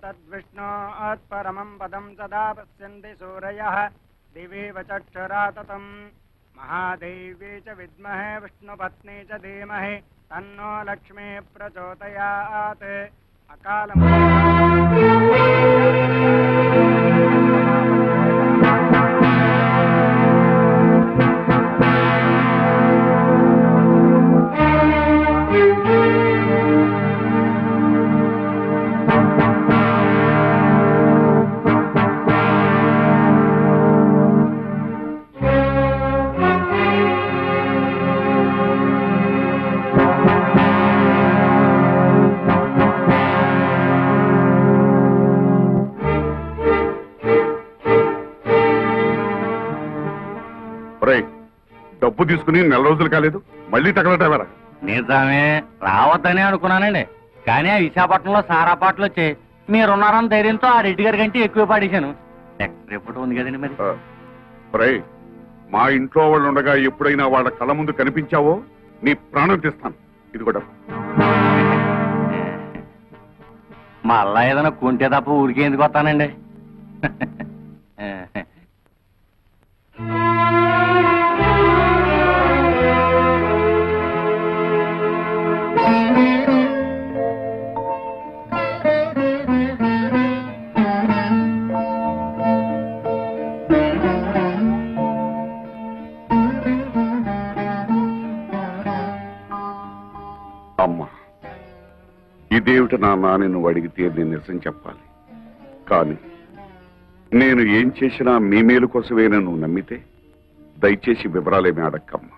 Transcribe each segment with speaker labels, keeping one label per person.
Speaker 1: तद्विष्णोत्परमं पदं सदा पश्यन्ति सूरयः दिवेव चक्षुरा ततं महादेवी च विद्महे विष्णुपत्नी च धीमहि तन्नो लक्ष्मी प्रचोदयात्
Speaker 2: డబ్బు తీసుకుని నెల రోజులు కాలేదు మళ్ళీ తగలటవరా?
Speaker 3: నిజమే, రావద్దనే అనుకున్నానండి. కానీ ఆ విశాఖపట్నంలో సారా పాటలు వచ్చాయి. మీరున్నారని ధైర్యంతో ఆ రెడ్డి గారి కంటే ఎక్కువ పాడేశాను. నెక్స్ట్ రిపోర్ట్ ఉంది కదండి మరి.
Speaker 2: మా ఇంట్లో వాళ్ళు ఉండగా ఎప్పుడైనా వాళ్ళ కళ్ళ ముందు కనిపించావో నీ ప్రాణం తీస్తాను. ఇది కూడా
Speaker 3: మళ్ళా ఏదైనా కొంటే తప్ప ఊరికే ఎందుకు వస్తానండి.
Speaker 2: అమ్మా, ఇదేమిటి నాన్న అని నువ్వు అడిగితే నేను నిజం చెప్పాలి. కానీ నేను ఏం చేసినా మీ మేలు కోసమేనా నువ్వు నమ్మితే దయచేసి వివరాలేమి అడక్కమ్మా.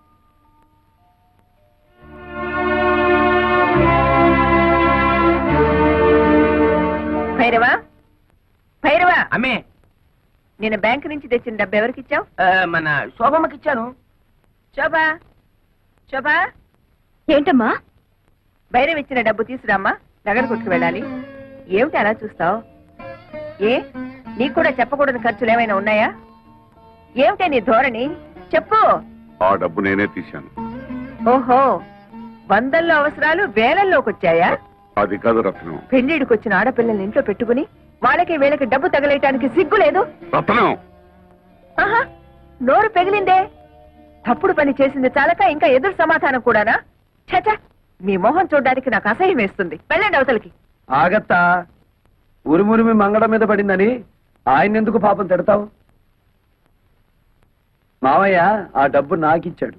Speaker 4: భైరవా, భైరవా,
Speaker 3: అమ్మే,
Speaker 4: నేను బ్యాంక్ నుంచి తెచ్చిన డబ్బు ఎవరికి ఇచ్చావు?
Speaker 3: మన శోభమ్మకి ఇచ్చాను.
Speaker 4: శోభా, శోభా,
Speaker 5: ఏంటమ్మా?
Speaker 4: భైరవ్ ఇచ్చిన డబ్బు తీసురామ్మా, నగర కొట్టుకు వెళ్ళాలి. ఏమిటి అలా చూస్తావు? ఏ, నీకు కూడా చెప్పకూడని ఖర్చులు ఏమైనా ఉన్నాయా? ఏమిటే నీ ధోరణి? చెప్పు.
Speaker 2: ఆ డబ్బు నేనే తీశాను.
Speaker 4: ఓహో, వందల్లో అవసరాలు వేలల్లోకి వచ్చాయా?
Speaker 2: అది కాదు రత్నం.
Speaker 4: పెళ్లిడికి వచ్చిన ఆడపిల్లల్ని ఇంట్లో పెట్టుకుని వాళ్ళకి వీళ్ళకి డబ్బు తగలేయటానికి సిగ్గు లేదు?
Speaker 2: రత్నం,
Speaker 4: ఆహా, నోరు పెగిలిందే. తప్పుడు పని చేసింది చాలక ఇంకా ఎదురు సమాధానం కూడానా? చచ, మీ మొహం చూడడానికి నాకు అసహ్యం వేస్తుంది. వెళ్ళండి అవతలకి.
Speaker 6: ఆగత్తా, ఉరుమురిమి మంగళం మీద పడిందని ఆయన ఎందుకు పాపం తిడతావు? మావయ్య ఆ డబ్బు నాకిచ్చాడు.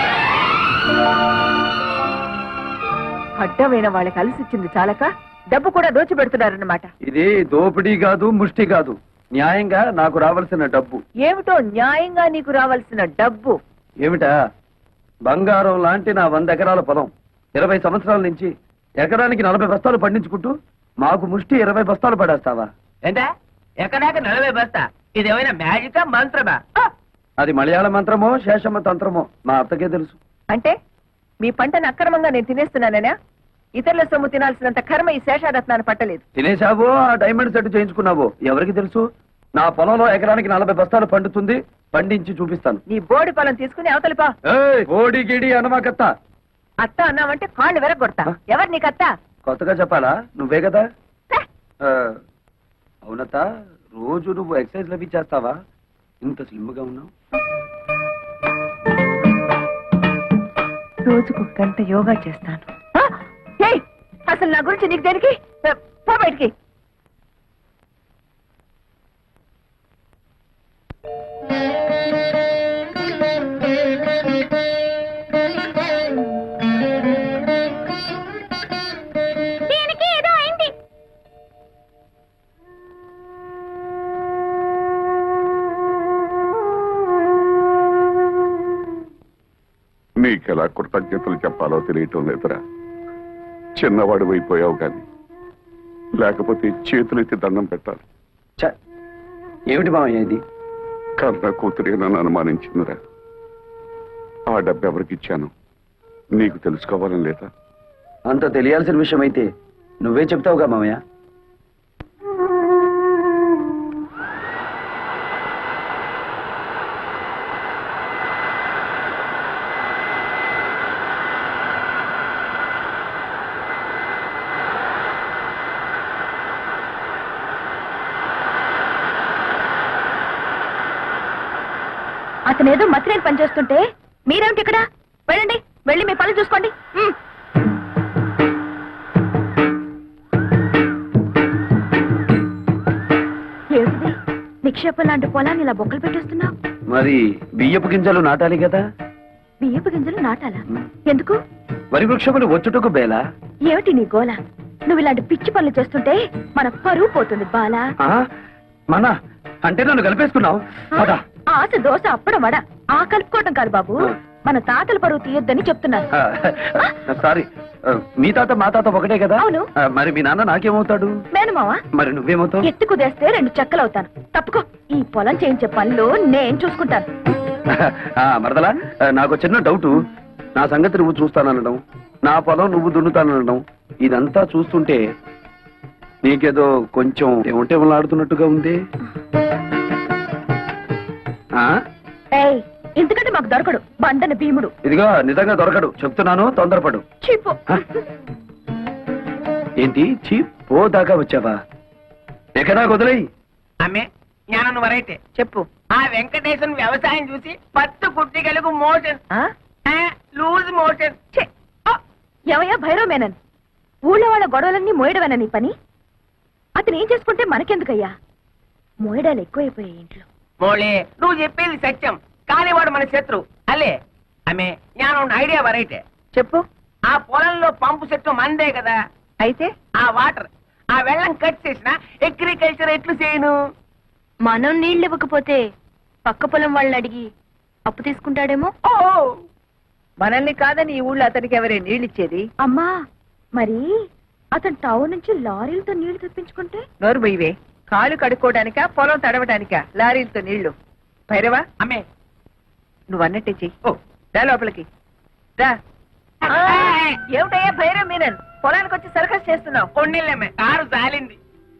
Speaker 4: అడ్డమైన వాళ్ళకి అలసిచ్చింది చాలక డబ్బు కూడా దోచిపెడుతున్నారన్నమాట.
Speaker 6: ఇది దోపిడీ కాదు, ముష్టి కాదు, న్యాయంగా నాకు రావాల్సిన డబ్బు.
Speaker 4: ఏమిటో న్యాయంగా నీకు రావాల్సిన డబ్బు?
Speaker 6: ఏమిటా? బంగారం లాంటి నా 100 ఎకరాల పొలం 20 సంవత్సరాల నుంచి ఎకరానికి 40 బస్తాలు పండించుకుంటూ మాకు ముష్టి 20 బస్తాలు పడేస్తావా?
Speaker 3: ఏంటా ఎక్కడాక 40 బస్తా? ఇదేమైనా మ్యాజికా మంత్రమా?
Speaker 6: అది మలయాళ మంత్రమో శేషమ్మ తంత్రమో మా అత్తకే తెలుసు.
Speaker 4: అంటే మీ పంటను అక్రమంగా నేను తినేస్తున్నానేనా? ఇతరుల సొమ్ము తినాల్సినంత కర్మ ఈ శేషారత్నాన్ని పట్టలేదు.
Speaker 6: తినేశావో ఆ డైమండ్ సెట్ చేయించుకున్నావో ఎవరికి తెలుసు? నా పొలంలో ఎకరానికి 40 బస్తాలు పండుతుంది, పండించి చూపిస్తాను.
Speaker 4: నీ బోడి పొలం తీసుకుని అవతలిపా.
Speaker 6: ఓడి గిడి అనమాకత్త.
Speaker 4: అత్త అన్నావంటే కాళ్ళు వెరగొడతా. ఎవరు నీకత్త?
Speaker 6: కొత్తగా చెప్పాలా? నువ్వే కదా. అవునత్త, రోజు నువ్వు ఎక్సర్సైజ్ అవి చేస్తావా? ఇంత స్లిమ్ గా ఉన్నావు.
Speaker 4: రోజుకు 1 గంట యోగా చేస్తాను. అసలు నా గురించి నీకు దేనికి? పో బయటికి.
Speaker 2: నీకెలా కృతజ్ఞతలు చెప్పాలో తెలియటం లేదురా. చిన్నవాడు అయిపోయావు కానీ లేకపోతే చేతులెత్తి దండం పెట్టాలి.
Speaker 6: ఏమిటి మామయ్య ఇది?
Speaker 2: కన్న కూతురే నన్ను అనుమానించిందిరా. ఆ డబ్బు ఎవరికి ఇచ్చాను నీకు తెలుసుకోవాలని లేదా?
Speaker 6: అంత తెలియాల్సిన విషయం అయితే నువ్వే చెప్తావుగా మామయ్య.
Speaker 4: అతనేదో మతిరేని పని చేస్తుంటే మీరేమిటి ఇక్కడ? వెళ్ళండి, వెళ్ళి మీ పనులు చూసుకోండి. ఏమిటిది? నిక్షేపం లాంటి పొలాన్ని ఇలా బొక్కలు పెట్టేస్తున్నావు.
Speaker 6: మరి బియ్యపు గింజలు నాటాలి కదా.
Speaker 4: బియ్యపు గింజలు నాటాలా? ఎందుకు?
Speaker 6: వరి వృక్షములు వచ్చుటకు బేలా.
Speaker 4: ఏమిటి నీ గోల? నువ్వు ఇలాంటి పిచ్చి పనులు చేస్తుంటే మన పరువు పోతుంది బాలా.
Speaker 6: మన అంటే నన్ను కలిపేసుకున్నావు.
Speaker 4: ఆశ దోశ అప్పడం వడ ఆ కలుపుకోవటం కాదు బాబు, మన తాతల పరువు తీయొద్దని చెప్తున్నాను.
Speaker 6: సారీ, మీ తాత మా తాత ఒకటే కదా.
Speaker 4: అవును.
Speaker 6: మరి మీ నాన్న నాకేమవుతాడు?
Speaker 4: మేనమావా.
Speaker 6: మరి నువ్వేమవుతావు?
Speaker 4: ఎత్తు కుదేస్తే 2 చెక్కలవుతాను. తప్పుకో, ఈ పొలం చేయించే పనులు నేను చూసుకుంటాను.
Speaker 6: మరదలా, నాకు చిన్న డౌట్. నా సంగతి నువ్వు చూస్తాననడం, నా పొలం నువ్వు దున్నుతాననడం, ఇదంతా చూస్తుంటే నీకేదో కొంచెం ఏమంటే ఆడుతున్నట్టుగా ఉంది.
Speaker 4: ఏయ్, ఎందుకంటే మాకు దొరకడు బండన భీముడు.
Speaker 6: ఇదిగో నిజంగా దొరకడు, చెప్తున్నాను, తొందరపడు.
Speaker 4: చీపు.
Speaker 6: ఏంటి పో దాకా వచ్చావా? ఎక్కడా వదిలేయి.
Speaker 5: అమ్మే జ్ఞానం వరైతే
Speaker 4: చెప్పు.
Speaker 5: ఆ వెంకటేశ్వర వ్యవసాయం చూసి పత్తు కుట్టిగలకు మోషన్ లూజ్ మోషన్.
Speaker 4: ఎవయ్యా భైరవ మేనన్, ఊళ్ళో వాళ్ళ గొడవలన్నీ మోయడమేనా నీ పని? అతను ఏం చేసుకుంటే మనకెందుకయ్యా? మోయడాలు ఎక్కువైపోయాయి ఇంట్లో.
Speaker 5: మోళే, నువ్వు చెప్పేది సత్యం, కానీ వాడు మన శత్రు అలే. అమ్మే జ్ఞానం ఐడియా వరైతే
Speaker 4: చెప్పు.
Speaker 5: ఆ పొలంలో పంపు చెట్టు మందే కదా.
Speaker 4: అయితే
Speaker 5: ఆ వాటర్, ఆ వెళ్ళం కట్ చేసిన అగ్రికల్చర్ ఎట్లు చేయను?
Speaker 4: మనం నీళ్ళు ఇవ్వకపోతే పక్క పొలం వాళ్ళని అడిగి అప్పు తీసుకుంటాడేమో. మనల్ని కాదని ఈ ఊళ్ళో అతనికి ఎవరే నీళ్ళిచ్చేది? అమ్మా, మరి అతను టౌన్ నుంచి లారీలతో నీళ్లు తెప్పించుకుంటే? నోరు బొయ్యవే. కాలు కడుక్కోవడానికా పొలం తడవడానికా లారీలతో నీళ్లు? భైరవా,
Speaker 5: అమ్మే
Speaker 4: నువ్వు అన్నట్టే చెయ్యి. రా లోపలికి రా. ఏమిటయ్యా భైరవ్ మీనన్, పొలానికి వచ్చి సర్కస్ చేస్తున్నావు?
Speaker 5: కొన్నిళ్ళమ్మే, కారు జాలింది.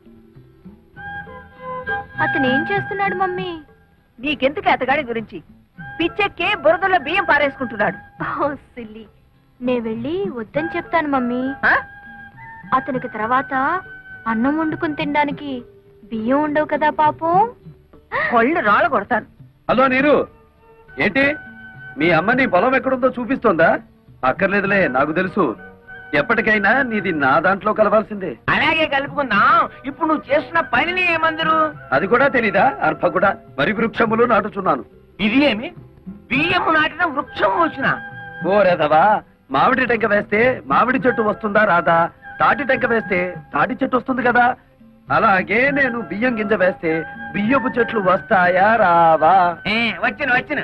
Speaker 4: అతను ఏం చేస్తున్నాడు మమ్మీ? నీకెందుకు అతగాడి గురించి? పిచ్చెక్కి బురదలో బియ్యం పారేసుకుంటున్నాడు. సిల్లి, నే వెళ్ళి వద్దని చెప్తాను మమ్మీ. అతనికి తర్వాత అన్నం వండుకుని తినడానికి బియ్యం ఉండవు కదా పాపం. కొళ్ళు రాళ్ళు కొడతాను.
Speaker 6: హలో నీరు, ఏంటి మీ అమ్మ నీ పొలం ఎక్కడుందో చూపిస్తోందా? అక్కర్లేదులే, నాకు తెలుసు. ఎప్పటికైనా నీది నా దాంట్లో కలవాల్సిందే.
Speaker 5: అలాగే కలుపుకుందాం. ఇప్పుడు నువ్వు చేస్తున్న పనిని ఏమందరు?
Speaker 6: అది కూడా తెలీదా? అర్భ కూడా వరి వృక్షములు నాటుచున్నాను.
Speaker 5: ఇది ఏమి? బియ్యము నాటిన వృక్షం వచ్చిన?
Speaker 6: ఓ రేదవా, మామిడి టెంక వేస్తే మామిడి చెట్టు వస్తుందా రాదా? తాటి టెంక వేస్తే తాటి చెట్టు వస్తుంది కదా. అలాగే నేను బియ్యం గింజ వేస్తే బియ్యపు చెట్లు వస్తాయా రావా?
Speaker 5: వచ్చిన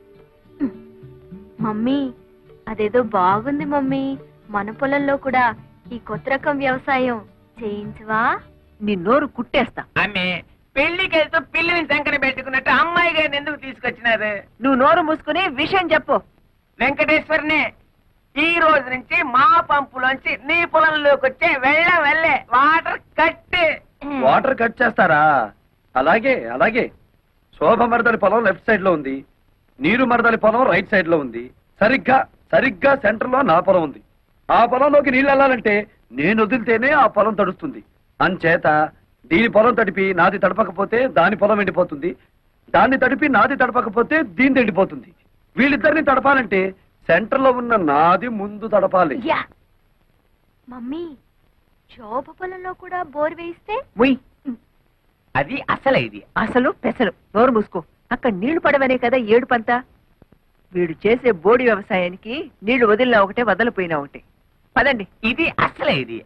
Speaker 7: మమ్మీ, అదేదో బాగుంది మమ్మీ. మన పొలంలో కూడా ఈ కొత్త రకం వ్యవసాయం చేయించవా?
Speaker 4: నీ నోరు కుట్టేస్తా.
Speaker 5: ఆమె పెళ్లికి వెళ్తూ పిల్లిని శంకర పెట్టుకున్నట్టు అమ్మాయి గారిని ఎందుకు తీసుకొచ్చినారు?
Speaker 4: నువ్వు నోరు మూసుకుని విషయం చెప్పు.
Speaker 5: వెంకటేశ్వరనే, ఈ రోజు నుంచి మా పంపులోంచి నీ పొలంలోకి వచ్చే వెళ్ళే వాటర్ కట్.
Speaker 6: వాటర్ కట్ చేస్తారా? అలాగే అలాగే. శోభ మరదలి పొలం లెఫ్ట్ సైడ్ లో ఉంది, నీరు మరదలి పొలం రైట్ సైడ్ లో ఉంది. సరిగ్గా సెంటర్ లో నా పొలం ఉంది. ఆ పొలంలోకి నీళ్ళు వెళ్ళాలంటే నేను వదిలితేనే ఆ పొలం తడుస్తుంది. అంచేత దీని పొలం తడిపి నాది తడపకపోతే దాని పొలం ఎండిపోతుంది, దాన్ని తడిపి నాది తడపకపోతే దీని ఎండిపోతుంది. వీళ్ళిద్దరిని తడపాలంటే సెంటర్ లో ఉన్న నాది ముందు తడపాలి.
Speaker 7: మమ్మీ, శోభ పొలంలో కూడా బోర్ వేయిస్తే?
Speaker 5: అది అసలే ఇది
Speaker 4: అసలు పెసలు. నోరు మూసుకో. అక్కడ నీళ్లు పడవనే కదా ఏడుపంతా. వీడు చేసే బోడి వ్యవసాయానికి నీళ్లు వదిలినా ఒకటే, వదలిపోయినా ఒకటే. పదండి.
Speaker 5: ఇది అసలే ఇది.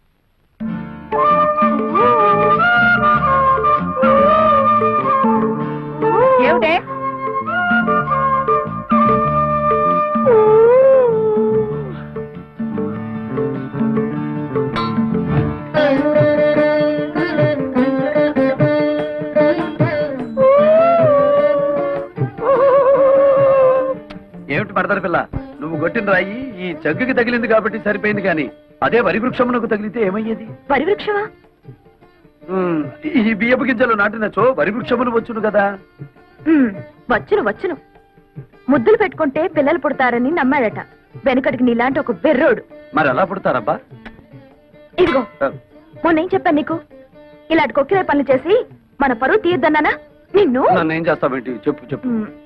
Speaker 4: ఏమిటే?
Speaker 6: ఏమిటి మరదల పిల్ల, నువ్వు కొట్టిన రాయి ఈ జగ్గుకి తగిలింది కాబట్టి సరిపోయింది, కానీ అదే వరి వృక్షమునకు తగిలితే ఏమయ్యేది?
Speaker 4: వరి వృక్షమా?
Speaker 6: ఈ బియ్యపు గింజలు నాటినచో వరి వృక్షములు వచ్చును కదా.
Speaker 4: వచ్చును. ముద్దులు పెట్టుకుంటే పిల్లలు పుడతారని నమ్మాడట వెనకటికి నీలాంటి ఒక బెర్రోడు.
Speaker 6: మరి ఎలా పుడతారబ్బా?
Speaker 4: ఇదిగో, మొన్నేం చెప్పాను నీకు? ఇలాంటి కొక్కిరే పనులు చేసి మన పరువు తీయద్దన్నానా నిన్ను?
Speaker 6: నన్ను ఏం చేస్తావేంటి? చెప్పు.